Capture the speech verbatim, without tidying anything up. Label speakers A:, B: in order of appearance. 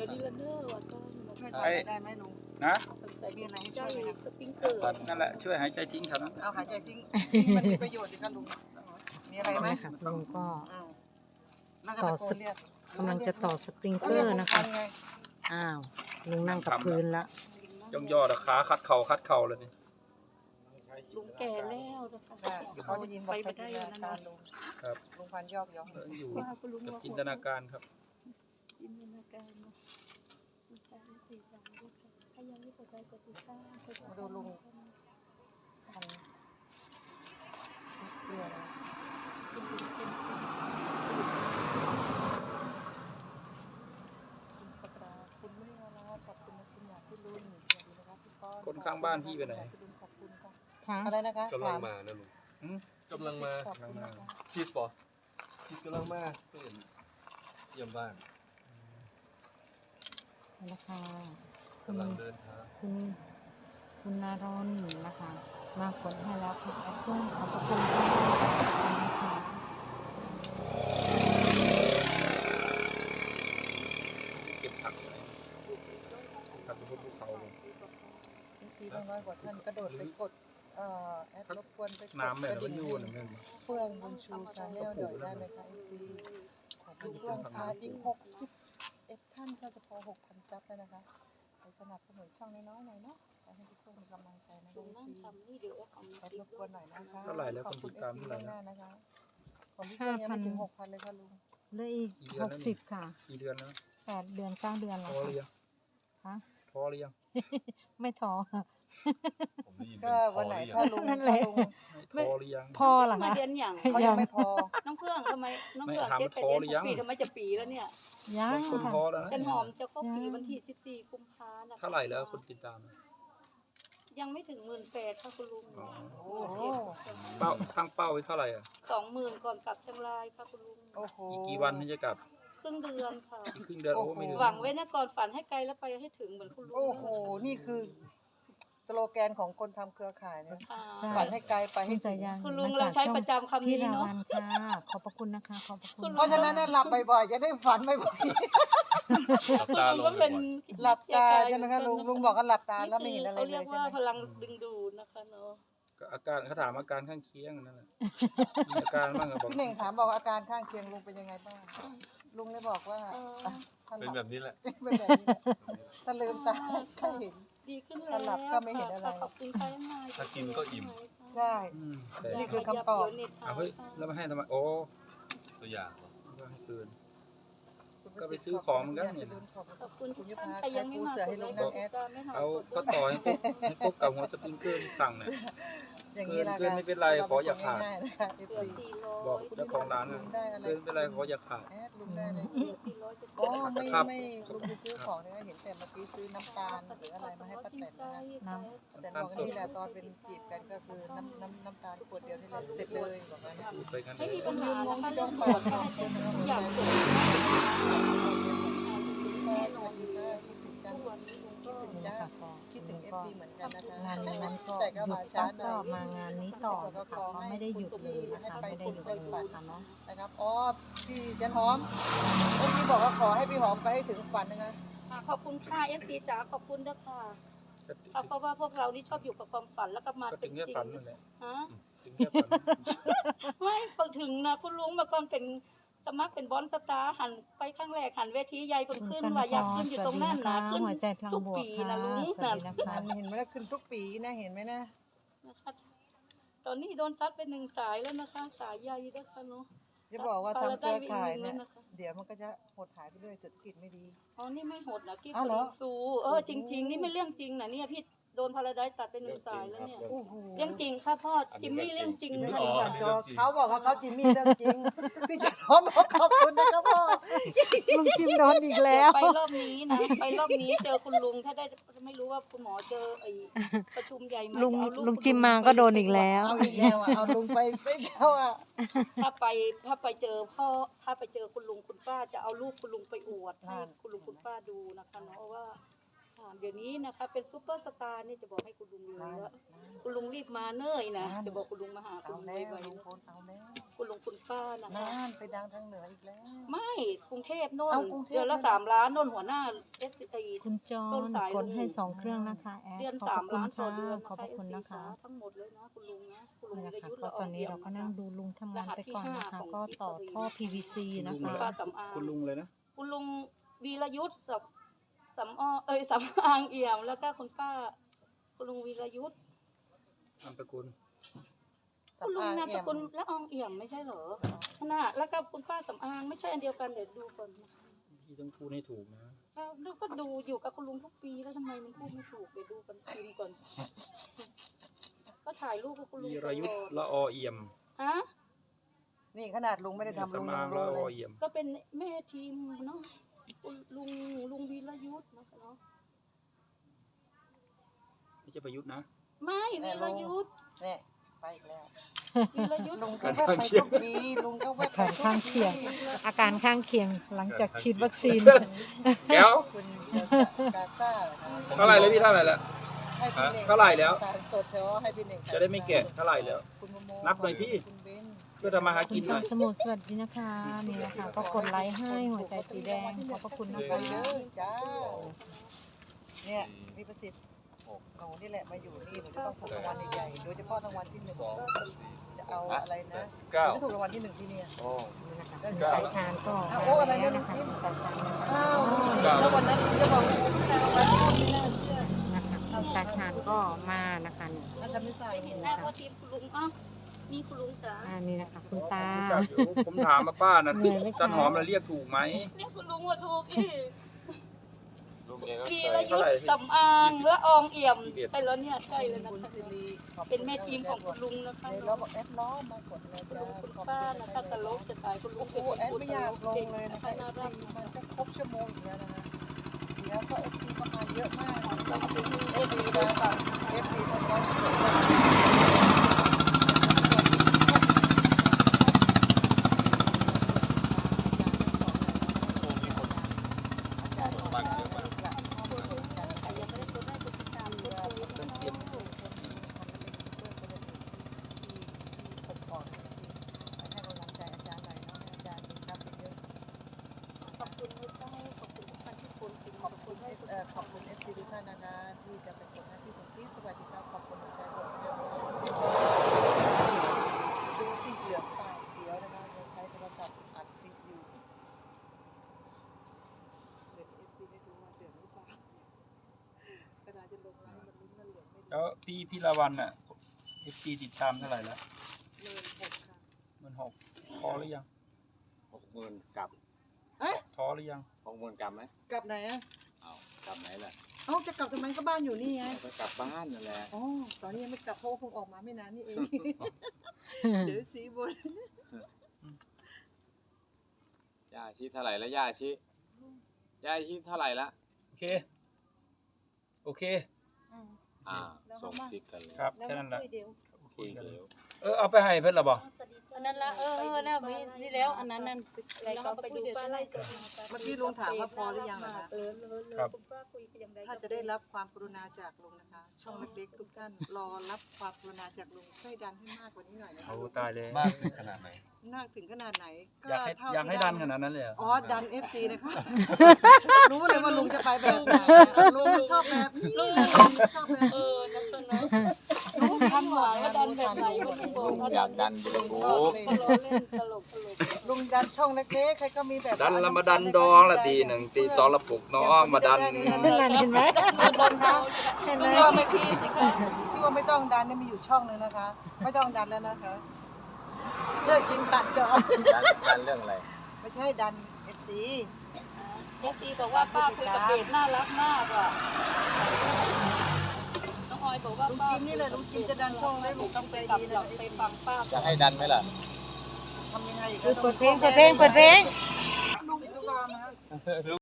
A: ดี๋ยวนี้ละเนอว่าต้อง
B: ช่วยทำอะไรได้ไหมลุง
C: นะ
B: มีอะไรให้ช่วยไหมครับ
A: สปริงเกอร์
C: นั่นแหละช่วยหายใจทิ้งเท่านั้น
B: เอาหายใจทิ้งมันมีประโยชน์ดีครับลุงมีอะไรไหม
D: ค่ะลุงก็
B: อ้าวนั่งกระโกนเรียก
D: กำลังจะต่อสปริงเกอร์นะคะ
B: ไง
D: อ้าวลุงนั่งกับพื้นละ
C: ย่องย่อตะขาคัดเข่าคัดเข่าเลยนี่
A: ลุงแก่แล้วนะคะ
B: เขาได้ยินบอก
A: ไปได้แล้วนะ
B: ลุง
C: ครับ
B: ลุงพันยอกย้อง
C: เอออยู่
A: ว่าคุณลุง
C: กับ
A: ว่า
C: จินตนาการครับ
A: จินตนาการเนาะคุณชายสี่สามด้วยค่ะถ้ายังไม่กดไลค์กดติดตามกด
B: มาดูลุงพันเกลือนะคุณสุภัตราคุณไม่ได้เอาละขอบคุณนะคุณอยากพี่ลุงสวัสดีนะครับพี่ก้อน
C: คนข้างบ้านพี่ไปไหน
B: พี่ลุงขอบคุณค่ะ
D: ค่ะ
B: อะไรนะคะ
E: กำลัง
B: ถาม
E: มานะลุง
C: อืม
E: กำลังมา
B: ขอบคุณนะคะ
E: ชีดปอชีดกำลังมาเพื่อนเยี่ยมบ้าน
D: นะคะคุณ
E: กำลังเดินทาง
D: คุณคุณนารนนะคะ มากดให้แล้วคุณแอปเปิ้ลขอบพระคุณค่ะนะคะ
C: เก็บผักอะไรผักบนภูเขาเลย
B: ซีน้อยกว่าท่านกระโดดไปกดเอ่อแอดรบกวนไปกด
C: น้ำแบบ
B: กระ
C: มัน
B: ดิ่ง
C: อยู่หนึ่งนึง
B: เฟื่องบุญชูชาแนลหน่อยได้ไหมคะเอฟซีขอบคุณเฟื่องค่ะอีกหกสิบเอ็ดท่านก็จะพอหกพันซับแล้วนะคะไปสนับสนุนช่องน้อยๆหน่อยเนาะให้ทุกคนมีกำลังใจนะ
A: ลุ
B: คะ
A: ง
B: เอฟ
A: นั่ง
B: ซี
A: ทำนี่เดี๋ยวเอา
B: แอดรบกวนหน่อยนะคะ
C: เท่าไหร่แล้วคนติดตาม
B: ขอบ
C: เท่า
B: คุณ
C: ไหร่
B: เอฟซีล่วงหน้านะคะของพี่เฟื่องยังไม่ถึงหกพันเลยค่ะลุง
D: เหลืออีกหกสิบค่ะ
C: กี่เดือนแล้ว
D: แปดเดือนเก้าเดือน
C: ท้
D: แล้ว
C: อหรือยัง
D: ค่ะ
C: ท้อหรือยัง
D: ไม่ท้อค่ะ
E: ผมได้ยิน
B: ก็
E: เป็นพ
B: วัน
E: อ
B: ไหน
E: หรือยั
B: ถ้าง ลุง
D: นั่นแห
B: ถ้า
D: ละ
B: ลุง
C: ไม่ท้อหรือยัง
D: พอเหรอ
A: มา
D: คะ
A: เดือนอย่าง
B: เขายังไม่พอ
A: น้องเฟื่องทำไมน้องเฟื่อง
C: ไม่
A: เจ็ด
C: ถาม
A: แปดเดือน
C: พอหรือยัง
A: ปีทำไมจะปีแล้วเนี่ย
D: ยัง
C: บางคน
D: ค่ะ
C: ท้อแล้วนะ
A: จันหอมจะครบปีวันที่สิบสี่กุมภาพันธ์นะคะ
C: เท่าไหร่แล้วคนติดตาม
A: ยังไม่ถึงหมื่นแปดค่ะคุณลุง
C: อ๋อ
B: โอ้โห
C: เป้าตั้งเป้าไว้เท่าไหร่อ่ะ
A: สองหมื่นก่อนกลับเชียงรายค่ะคุณลุง
B: โอ้โห
C: อีกกี่วันที่จะกลับ
A: ครึ่งเดือนค่ะ
C: อีกครึ่งเดือนโอ้ไม่ถึง
A: หวังไว้นะก่อนฝันให้ไกลแล้วไปให้ถึงเหมือนคุณลุง
B: โอ้โหนี่คือสโลแกนของคนทำเครือข่ายเนี่ย
A: ค่ะ
D: ใช่
B: ฝันให้ไกลไป
D: คุ
B: ให้
D: ณ
B: ถึ
D: สาง ยัน
A: คุณลุง
D: ม
A: เรา
D: จก
A: ใช้
D: ช่อง
A: ประจำคำ
D: พี่
A: นี้
D: รา
A: เนาะ
D: วันค่ะ ขอบพระคุณนะคะ ขอบพระคุ
A: คุ
D: ณ
A: ณ
B: เพราะฉะนั้นน่ะหลับบ่อยๆจะได้ฝันบ่อย
E: หลับ
A: คุณ
E: ตา
A: ลุง
E: ล
A: ก็
E: ง
A: เป็น
B: ๆหลับตาใช่ไหมคะลุงลุงบอกว่าหลับตาแล้วไม่เห็นอะไร
A: เขา
B: เล
A: เรีย
B: ย
A: ก
B: ใช่
A: ว่า
B: ไหม
A: พลังดึงดูดนะคะเนาะ
C: ก็อาการเขาถามอาการข้างเคียงนั่นแหละมีอาการบ้างก็บอก
B: พี่เน่งถามบอกว่าอาการข้างเคียงลุงเป็นยังไงบ้างลุงเลยบอกว่าอ่ะถ้าห
E: เป็น
B: ลับ
E: แบบนี้แหละ
B: เป็นแบบนี้ถ้าลืมตาก็เห็น
A: ดีขึ้นแล้ว
B: ถ้าหลับก็ไม่เห็นอะไร
A: ขอบคุณใครมาก
E: ถ้ากินก็อิ่ม
B: ใช่
C: อืมแต่
B: นี่คือคำตอบ
C: เอาเฮ้ยแล้วมาให้ทำไมโอ้
E: ตัวอย่างเหรอ
C: ก็ให้คืน
B: คุณ
C: ก็ไปซื้อของมันก็เนี่ย
A: ขอบคุณ
B: คุณ
A: ทุ
B: ยุ
A: กท่าน
B: พา
A: ใครยังไม่
B: ปู
A: มา
B: เสือให้ลุงนั่งแอด
C: เอาก็ต่อให้ครบให้ครบกับหัวสปริงเกอร์ที่สั่งเนี่ย
B: อย่างนี้ละ
C: เกินไม่เป็นไรขออย่าขาด
B: ง่ายๆนะคะ
A: เหลือ
B: เอฟซี
A: สี่ร้อย
C: บอกเจ้าของร้าน
B: ลุ
C: นะ
B: งได้อะไร
C: เกินไม่เป็นไรขออย่าขาด
B: แอดลุงได้เลย
A: เหลือสี่ร้อยจะ
B: อ๋อไม่
C: ครับ
B: ไม่ลุงไปซื้อของเนี่ยเห็นแต่เมื่อกี้ซื้อน้ำตาลหรืออะไรมาให้ป้าแตนนะคะแต่บอกนี่แหละตอนเป็นจีบกันก็คือน้ำน้ำน้ำตาลขวดเดียวนี่แหละเสร็จเลยบอกงั้น
C: พูดไปกันเล
A: ไม่
C: ย
A: มีปัญหา
B: ยืนงง
A: นะคะ
B: ที่
A: เรื่
B: ต้
A: อ
B: อง ง
A: เปิ
B: เปิ
A: ด
B: ด
A: ให้
B: ค่ะ
A: ให้ทุกอย่างจบ
B: แม่สวัสดีค่ะคิดถึงจัง
A: ทุกวันนี้ลุงก็
B: คิดถึง
D: นี่
B: จ้า
D: นะคะก็
B: คิดถึงเอฟซีเหมือนกันนะคะ
D: งานนั้นก็
B: แต่ก็
D: หยุ
B: มา
D: ด
B: ช้า
D: ปั๊บ
B: หน่อย
D: ก็มางานนี้ต่อนะคะก็ไม่ได้หยุดเลยนะคะไม่ได้หยุดเลยนะคะเนาะ
B: นะครับอ๋อพี่จันหอมเมื่อกี้บอกว่าขอให้พี่หอมไปให้ถึงฝันนะคะ
A: ค่ะขอบคุณค่ะเอฟซีจ๋าขอบคุณด้วยค่ะค่ะเพราะว่าพวกเรานี่ชอบอยู่กับความฝันแล้วก็มา
C: ก็
A: เป็
C: ถึ
A: น
C: ง
A: จริ
C: แค่
A: ง
C: ฝันนั่นแหละ
A: ฮะ
C: ถึงแค่ฝัน
A: ไม่ฝันถึงนะคุณลุงเมื่อก่อนเป็นสมัครเป็นบอลสตาร์หันไปข้างแรกหันเวทีใหญ่คนขึ้นว่าอยากขึ้นอยู่ตรงนั้นนะขึ้น
D: หัวใจพลัง
A: ทุก
D: บวก
A: ปี
D: ค่ะ
A: นะลุง
D: สวัสดีนะคะ
B: เห็นไหมล่ะขึ้นทุกปีนะเห็นไหมนะ
A: นะคะตอนนี้โดนทัดเป็นหนึ่งสายแล้วนะคะ สายใหญ่ด้วยค่ะเนาะ
B: จะบอกว่าทำเครือข่ายเนี่ย
A: แล้วนะคะ
B: เดี๋ยวมันก็จะหดหายไปเรื่อยเศรษฐกิจไม่ดี
A: อ๋อนี่ไม่โหดนะกิ๊บ
B: อ้าวเหรอ
A: ฟูเออจริง ๆ นี่ไม่เรื่องจริงนะเนี่ยพี่โดนพาราไดซ์ตัดไปหนึ่งสายแล้วเนี่ย
B: โอ้โห
A: เรื่องจริงค่ะพ่อจิมมี่เรื่องจริง
B: ไม่
A: ค่ะ
B: ถึงก่อนจอเขาบอกว่าเขาจิมมี่เรื่องจริง พี่จันหอมบอกขอบคุณนะครับพ่อ
D: ลุงจิมโดนอีกแล้ว
A: ไปรอบนี้นะไปรอบนี้เจอคุณลุงถ้าได้ไม่รู้ว่าคุณหมอเจอไอ้ประชุมใหญ่ไหม
D: ลุง
A: จะเอารูป
D: ลุงจิมมาก็โดนอีกแล้ว
B: เอาอีกแล้วอ่ะเอาลุงไปไปแล้วอ่ะ
A: ถ้าไปถ้าไปเจอพ่อถ้าไปเจอคุณลุงคุณป้าจะเอารูปคุณลุงไปอวดให้คุณลุงคุณป้าดูนะคะเนาะว่าอ่าเดี๋ยวนี้นะคะเป็นซุปเปอร์สตาร์นี่จะบอกให้คุณลุงเลย
B: นั่น
A: แล้ว
B: นั่น
A: คุณลุงรีบมาเนื่อยนะ
B: นั่น
A: จะบอกคุณลุงมาหาคุ
B: เอา
A: ณลุง
B: แล้ว
A: ไว
B: ลุง
A: ๆ
B: พลเอาแล้ว
A: คุณลุงคุณป้านะคะ
B: นั่นไปดังทางเหนืออีกแล้ว
A: ไม่กรุงเทพโน่น
B: เอากรุงเทพ
A: เดือนละ
B: เลย
A: สามล้านโน่นหัวหน้าเอสซี
D: คุณจอ
A: ต้น
D: น
A: สาย
D: กดให้
A: ลุง
D: สองเครื่องนะคะแอด
A: เดือน
D: ขอบ
A: สาม
D: พระ
A: ล้าน
D: คุ
A: ต่อ
D: ณ
A: เดือน
D: ค่ะขอบพระคุณนะคะ
A: ทั้งหมดเลยนะคุณลุงนะคุณลุง
D: นี่แหละ
A: จะ
D: ค่ะ
A: ยุทธ
D: ก็
A: ละอ
D: ตอ
A: อน ง
D: นี้
A: เอี่ย
D: เรา
A: ม
D: ก็นั่งดูลุงทำงานไปก่อนนะคะ ก็ต่อท่อ พี วี ซี นะ
A: คุณ
D: คะ
A: ป้าสำอาง
C: คุณลุงเลยนะ
A: คุณลุงวีรยุทธ์สำสำออเอ้ยสำอางเอี่ยมแล้วก็คุณป้า คุณลุงวีรยุทธ์
C: นามสกุล
A: คุณลุง
B: สำอาง
A: นามส
B: เอี่ยม
A: กุลละอองเอี่ยมไม่ใช่เหรอน่ะแล้วก็คุณป้าสำอางไม่ใช่อันเดียวกันเดี๋ยวดูก่อน
C: พี่ต้องพูดให้ถูกนะ
A: แล้วก็ดูอยู่กับคุณลุงทุกปีแล้วทำไมมันพูดไม่ถูกเดี๋ยวดูกันพิมพ์ก่อน ก็ถ่ายรูปกับคุณลุง
C: วี
A: ต
C: ร
A: ล
C: ยุทธ์
A: อด
C: ละอเอี่ยม
A: ฮะ
B: นี่ขนาดลุงไม่ได้ทำลุง
C: สำ
B: ยั
C: อาง ง
B: รู้
C: ละ
B: เล
C: อย เอี่ยม
A: ก็เป็นแม่ทีมเนาะคุณลุงลุงวีรยุทธ์นะคะเนาะ
C: ไม่ใช่ประยุทธ์นะ
A: ไม่วีรยุทธ์
B: เนี่ยไปอีกแล้ว
A: วีรยุทธ์
B: ลุงก็แวบไปทุกทีลุงก็แวบไป
D: อาการ
B: ทุ
D: ข้าง
B: ก
D: เคี
B: ที
D: ยง อาการข้างเคียงหลังจากฉีดวัคซีน
C: แก้ว
B: คุณกาซากาซ่านะคะ
C: เท่าไหร่แล้วพี่เท่าไหร่แล้ว
B: ให้พี่น่ง
C: เท่าไหร่แล้ว
B: ทานสดเถอะให้พี่เน่ง
C: จะได้ไม่แกะเท่าไหร่แล้ว
B: คุณโมโม
C: นับหน่อยพี่
B: คุณเบน
C: เพื่อทำมาหา
D: คุ
C: กิ
D: ณ
C: น
D: จ
C: ห
D: อ
C: น่
D: ม
C: อย
D: สมุทรสวัสดีนะคะนี่นะคะก็กดไลค์ให้หัวใจสีแดงขอบพระคุณนะ
B: ส
D: คะ
B: วยเด้อจ้าเนี่ยพี่ประสิทธิ์หนูนี่แหละมาอยู่นี่หนูจะต้องถูกรางวัลใหญ่ๆโดยเฉพาะรางวัลที่หนึ่งจะเอาอะไรนะหนูจะถูกรางวัลที่หนึ่งที่เนี่ย
D: นี่นะคะคุณตาชาญก็
B: อ้าว
D: มา
B: โอ้อะไร
D: แล้ว
B: เนี่ย
D: นะคะ
B: ลุง
D: คุณตาชาญนะคะ
B: อ้าวแล้ววันนั้นจะบอกว่าคุณได้รางวัลที่ไม่น่าเชื่อ
D: นะคะคุณตาชาญก็มานะคะนี่
B: อาจจะไม่ใส่
A: ไม่เห็นหน้าว่าทีมคุณลุงอ้าวนี่คุณลุงจ๋า
D: อ่านี่นะคะคุณตา
C: ผมถามมาป้านะ
D: เหนื่อยไหมคะ
C: จันหอมเราเรียกถูกไหม
A: เนี่ยคุณลุงว่าถูกอีก
C: ลุงเองก็
A: วี
C: เค
A: ร
C: ย
A: ยุทธ์สำอางละอองเอี่ยมไปแล้วเนี่ยใกล้แล้วนะ
B: คุณ
A: คะ
B: สิริขอบคุณ
A: เป็นแม่ทีมของคุณลุงนะคะ
B: เดี๋ยวเราบอกแอดล้อมากดเลย
A: คุณ
B: จ้า
A: ลุงคุณ
B: ขอบ
A: ป้า
B: ณ
A: นะคะตลกจะตายคุณลุ
B: โอ้
A: ง
B: โหแอดไม่อยากลงเลยนะคะ
A: น่า
B: เอ
A: รั
B: ฟ
A: ก
B: ซีมันก็ครบชั่วโมงอีกแล้วนะคะเดี๋ยวก็เอฟซีก็มาเยอะมาก
A: เรามาเป็นเอ
B: เอ
A: ฟ
B: ฟ
A: ซี
B: ซี
A: ด้ว
B: นะ
A: ยค่ะ
B: เอฟซีทั้งร้อยสิบเอ็ดขอบคุณเอ่อขอบคุณเอฟซีทุกท่านนะคะที่จะเป็นคนให้พี่สมคิดสวัสดีครับขอบคุณหัวใจผมนะคะดูสิเหลืองปากเดียวนะคะเราใช้โทรศัพท์อัดคลิปอยู่เดี๋ยวเอฟซีได้ดูว่าเหลืองหรือเปล่ากระดาษจะลงไลน์มันลุ้นมันเหลืองไม่เหลื
C: แล้
B: อ
C: ว
B: ง
C: พี่พี่ละวันอ่ะเอฟซีติดตามเท่าไหร่แล้ว
B: เลินหกค่ะ
C: หมื่นหกพอหรือยัง
F: หกหมื่นกลับ
B: เอ๊ะ
C: พอหรือยัง
F: หกหมื่นกลับไหม
B: กลับไหนอ่ะ
F: เอากลับไหนล่ะ
B: เอ้าจะกลับทำไมก็บ้านอยู่นี่ไง
F: เอาก็กลับบ้านนั่นแหละ
B: อ๋อตอนนี้ยังไม่กลับเพราะว่าเพิ่งออกมาไม่นานนี่เอง เดี๋ยวสีบน
F: ย่าชิเท่าไหร่แล้วย่าชิย่าชิเท่าไหร่ละ
C: โอเค โอเค
F: อ่าส่งซิกกันเลย
C: ครับ แค่นั้นแหละ
F: คุยกันเร็ว
C: เออเอาไปให้เพื่อนหรอบ่
G: อันนั้นละเออเออแล้วมีนี่แล้วอันนั้นนั่น
A: อะไรก็ไปดูป้าไล่จด
B: เมื่อกี้ลุงถามว่าพอหรือยังนะคะ
A: เออเลยเลยคุณป้าคุยกันอย่างไร
B: ถ้าจะได้รับความกรุณาจากลุงนะคะ ช่องเล็กๆทุกท่านรอรับความกรุณาจากลุงช่วยดันให้มากกว่านี้หน่อยนะคะ
C: เอาตายเลย
E: มากถึงขนาดไหน
B: มากถึงขนาดไหน
C: อยากให้
B: เท่
C: อยากให้
B: ที่
C: ดันขนาดนั้นเลยเหรอ
B: อ๋อดันเอฟซีนะคะ รู้เลยว่าลุงจะไปแบบไหนลุงชอบแบบนี้ลุงชอบแบบ
A: เออนะเพื่อนนะลุงทำหวังว่าดันแบบไหนก็ลุงบอก
F: ลุง
A: ว่า
F: อยากดันยูทูบ
A: ล้อเล่นตลกตลก
B: ลุงดันช่องเล็กๆใครก็มีแบบ
C: ดันละมาดันดองละตีหนึ่งตีสองละปลุกน้องมาดัน
D: นั่นเห็นไหม
B: ดันคะ
D: เห็นไหม
B: พี่ว่าไม่พี่ว่าไม่ต้องดันเนี่ยมีอยู่ช่องหนึ่งนะคะ ไม่ต้องดันแล้วนะคะเลิกจริงตัดจอ
F: ดันดันเรื่องอะไร
B: ไม่ใช่ดันเอฟซี
A: เอฟซีบอกว่าป้าคุยกับเบสน่ารักมากว่ะน้องออยบอกว่า
B: ลุง
A: ป้า
B: จิมนี่แหละลุงจิมจะดันช่องได้ลุงต้องใจดีนะ
A: ไปฟังป้า
F: จะให้ดันไหมล่ะ
B: ทำยังไงอีก
D: เปิดเพลงเปิดเพลงเปิดเพลง